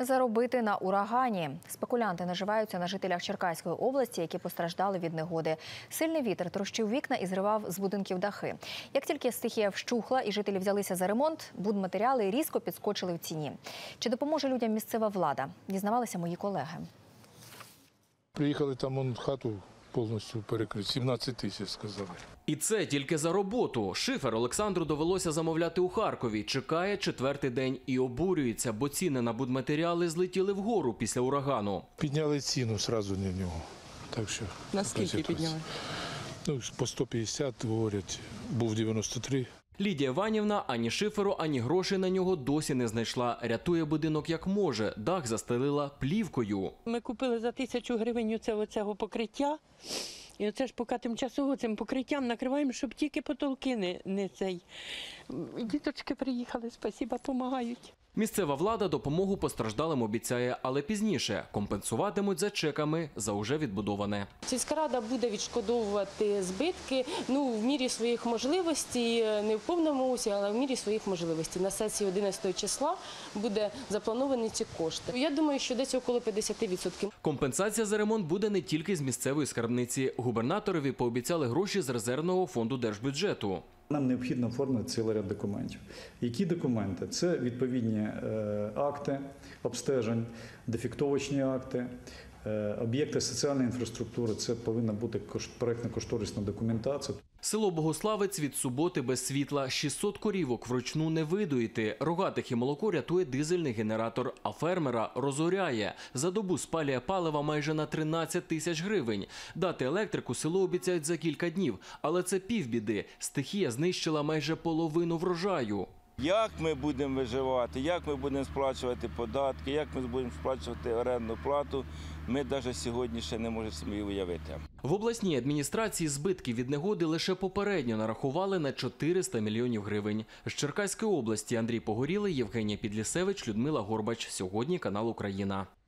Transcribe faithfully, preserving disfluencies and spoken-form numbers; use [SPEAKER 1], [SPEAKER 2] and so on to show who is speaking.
[SPEAKER 1] Заробити на урагані. Спекулянти наживаються на жителях Черкаської області, які постраждали від негоди. Сильний вітер трощив вікна і зривав з будинків дахи. Як тільки стихія вщухла і жителі взялися за ремонт, будматеріали різко підскочили в ціні. Чи допоможе людям місцева влада? Дізнавалися мої колеги.
[SPEAKER 2] Приїхали, там он хату повністю перекрити. сімнадцять тисяч, сказали.
[SPEAKER 3] І це тільки за роботу. Шифер Олександру довелося замовляти у Харкові. Чекає четвертий день і обурюється, бо ціни на будматеріали злетіли вгору після урагану.
[SPEAKER 2] Підняли ціну одразу на нього. Так що,
[SPEAKER 4] наскільки підняли?
[SPEAKER 2] Ну, по сто п'ятдесят, говорять, був дев'яносто три.
[SPEAKER 3] Лідія Іванівна ані шиферу, ані грошей на нього досі не знайшла. Рятує будинок як може. Дах застелила плівкою.
[SPEAKER 4] Ми купили за тисячу гривень оцього покриття. І оце ж поки тимчасово цим покриттям накриваємо, щоб тільки потолки не, не цей. Діточки приїхали, спасіба, допомагають.
[SPEAKER 3] Місцева влада допомогу постраждалим обіцяє, але пізніше компенсуватимуть за чеками за уже відбудоване.
[SPEAKER 5] Сільська рада буде відшкодовувати збитки, ну, в мірі своїх можливостей, не в повному усі, але в мірі своїх можливостей. На сесії одинадцятого числа буде заплановані ці кошти. Я думаю, що десь около п'ятдесят відсотків.
[SPEAKER 3] Компенсація за ремонт буде не тільки з місцевої скарбниці. Губернаторові пообіцяли гроші з резервного фонду держбюджету.
[SPEAKER 6] Нам необхідно оформити цілий ряд документів. Які документи? Це відповідні е, акти обстежень, дефектовочні акти, е, об'єкти соціальної інфраструктури. Це повинна бути проєктно-кошторисна документація.
[SPEAKER 3] Село Богославець від суботи без світла. шістсот корівок вручну не видоїти. Рогатих і молоко рятує дизельний генератор, а фермера розоряє. За добу спалює палива майже на тринадцять тисяч гривень. Дати електрику село обіцяють за кілька днів. Але це півбіди. Стихія знищила майже половину врожаю.
[SPEAKER 7] Як ми будемо виживати, як ми будемо сплачувати податки, як ми будемо сплачувати орендну плату, ми навіть сьогодні ще не можемо собі уявити.
[SPEAKER 3] В обласній адміністрації збитки від негоди лише попередньо нарахували на чотириста мільйонів гривень. З Черкаської області Андрій Погорілий, Євгенія Підлісевич, Людмила Горбач. Сьогодні канал «Україна».